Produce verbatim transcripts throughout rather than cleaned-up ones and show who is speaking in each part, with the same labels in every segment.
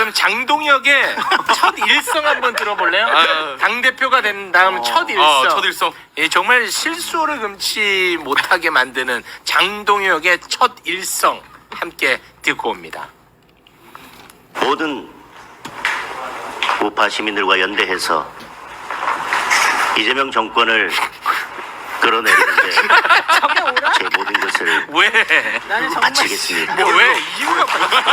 Speaker 1: 그럼 장동혁의 첫 일성 한번 들어볼래요?
Speaker 2: 아.
Speaker 1: 당대표가 된 다음
Speaker 2: 어.
Speaker 1: 첫 일성.
Speaker 2: 어, 첫 일성.
Speaker 1: 예, 정말 실수를 금치 못하게 만드는 장동혁의 첫 일성 함께 듣고 옵니다.
Speaker 3: 모든 우파 시민들과 연대해서 이재명 정권을 끌어내리는데 제 모든 것을
Speaker 1: 왜?
Speaker 4: 나는 정말
Speaker 3: 바치겠습니다.
Speaker 1: 뭐 왜? 이유가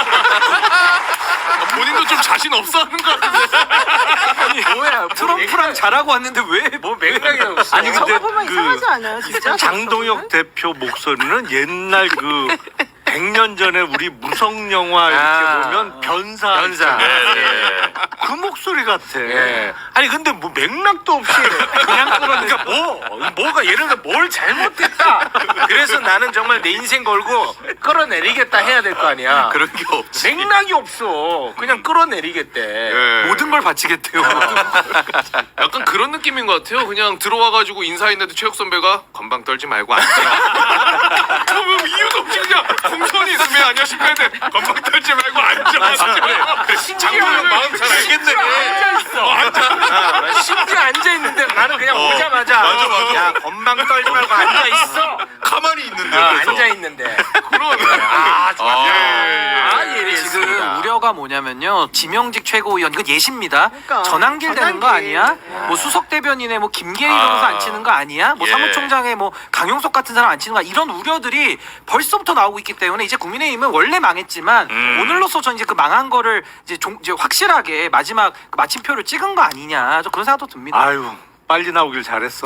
Speaker 2: 본인도 좀 자신 없어 하는 것 같은데.
Speaker 1: 뭐야?
Speaker 5: 트럼프랑 잘하고 왔는데 왜?
Speaker 1: 뭐 맥락이 없어.
Speaker 5: 아니, 근데
Speaker 4: 저거 보면
Speaker 5: 그
Speaker 4: 이상하지 않아요, 진짜?
Speaker 5: 장동혁 대표 목소리는 옛날 그 백 년 전에 우리 무성 영화 이렇게
Speaker 1: 아,
Speaker 5: 보면 변사
Speaker 1: 변사.
Speaker 5: 있잖아요.
Speaker 1: 네.
Speaker 5: 그 목소리 같아.
Speaker 1: 예. 아니 근데 뭐 맥락도 없이 그냥 끌어내니까 뭐 뭐가 예를 들어 뭘 잘못했다. 그래서 나는 정말 내 인생 걸고 끌어내리겠다 해야 될 거 아니야.
Speaker 2: 그런 게 없지.
Speaker 1: 맥락이 없어. 그냥 끌어내리겠대.
Speaker 2: 예.
Speaker 5: 모든 걸 바치겠대요.
Speaker 2: 약간 그런 느낌인 것 같아요. 그냥 들어와가지고 인사했는데 최욱 선배가 건방 떨지 말고 앉아. 그럼 이유도 없이 그냥 공손히 있으면 안녕하십니까 돼. 건방 떨지 말고 앉아. 그래. 장동혁 마음 잘 알겠네.
Speaker 1: 앉아 있어.
Speaker 2: 어, 앉아.
Speaker 1: 심지어 앉아 있는데 나는 그냥
Speaker 2: 어,
Speaker 1: 오자마자
Speaker 2: 맞아, 맞아.
Speaker 1: 야 건방 떨지 말고 앉아 있어.
Speaker 2: 가만히 있는데.
Speaker 1: 아,
Speaker 2: 그래서.
Speaker 1: 앉아 있는데.
Speaker 2: 그러네.
Speaker 1: 아, 진짜.
Speaker 2: 아,
Speaker 1: 아,
Speaker 2: 예, 예.
Speaker 1: 예리했습니다.
Speaker 5: 지금 우려가 뭐냐면요, 지명직 최고위원 이건 예시입니다.
Speaker 4: 그러니까.
Speaker 5: 전환길 되는 거
Speaker 4: 전환길.
Speaker 5: 아니야? 뭐 수석 대변인의 뭐 김계희
Speaker 2: 아.
Speaker 5: 변호사 안 치는 거 아니야? 뭐
Speaker 2: 예.
Speaker 5: 사무총장의 뭐 강용석 같은 사람 안 치는 거 아니야? 이런 우려들이 벌써부터 나오고 있기 때문에 이제 국민의힘은 원래 망했지만
Speaker 2: 음.
Speaker 5: 오늘로서 전 이제 그 망한 거를 이제, 종, 이제 확실하게 마지막 그 마침표를 찍은 거 아니냐? 저 그런 생각도 듭니다.
Speaker 6: 아유 빨리 나오길 잘했어.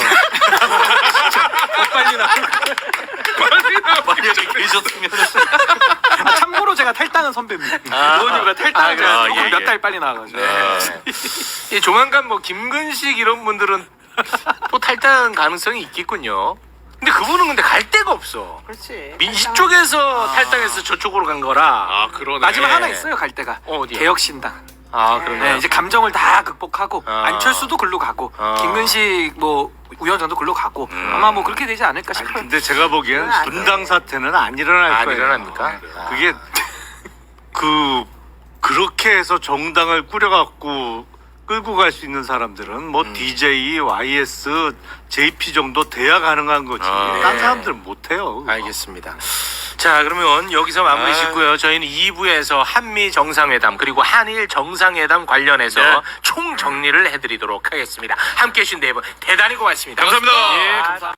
Speaker 5: 빨리 나.
Speaker 2: 만약에 계셨으면.
Speaker 5: 아, 참고로 제가 탈당한 선배입니다.
Speaker 1: 아.
Speaker 5: 의원님과 탈당을
Speaker 1: 아,
Speaker 5: 제가
Speaker 2: 아,
Speaker 5: 조금
Speaker 2: 예,
Speaker 5: 몇
Speaker 2: 예.
Speaker 5: 달 빨리 나와가지고.
Speaker 1: 네. 이 조만간 뭐 김근식 이런 분들은 또 탈당 가능성이 있겠군요. 근데 그분은 근데 갈 데가 없어.
Speaker 4: 그렇지.
Speaker 1: 민식 쪽에서 탈당해서 저쪽으로 간 거라.
Speaker 2: 아, 그러네.
Speaker 5: 마지막
Speaker 1: 네.
Speaker 5: 하나 있어요, 갈 데가.
Speaker 1: 어, 어디요?
Speaker 5: 개혁신당.
Speaker 1: 아 그러네.
Speaker 5: 네, 이제 감정을 다 극복하고
Speaker 1: 아.
Speaker 5: 안철수도 글로 가고
Speaker 1: 아.
Speaker 5: 김근식 뭐 위원장도 글로 가고
Speaker 2: 음.
Speaker 5: 아마 뭐 그렇게 되지 않을까
Speaker 6: 아니,
Speaker 5: 싶어요.
Speaker 6: 근데 제가 보기에는
Speaker 4: 그건 안 돼.
Speaker 6: 분당 사태는 안 일어날
Speaker 1: 안
Speaker 6: 거예요.
Speaker 1: 일어납니까?
Speaker 6: 그게 그 그렇게 해서 정당을 꾸려갖고 끌고 갈 수 있는 사람들은 뭐 디제이, 와이에스, 제이피 정도 돼야 가능한 거지.
Speaker 2: 아.
Speaker 6: 딴
Speaker 1: 네.
Speaker 6: 사람들은 못해요.
Speaker 1: 알겠습니다. 자 그러면 여기서 마무리
Speaker 2: 아.
Speaker 1: 짓고요. 저희는 이 부에서 한미 정상회담 그리고 한일 정상회담 관련해서
Speaker 2: 네.
Speaker 1: 총 정리를 해드리도록 하겠습니다. 함께해 주신 네 분 대단히 고맙습니다.
Speaker 2: 감사합니다.
Speaker 1: 예, 감사합니다.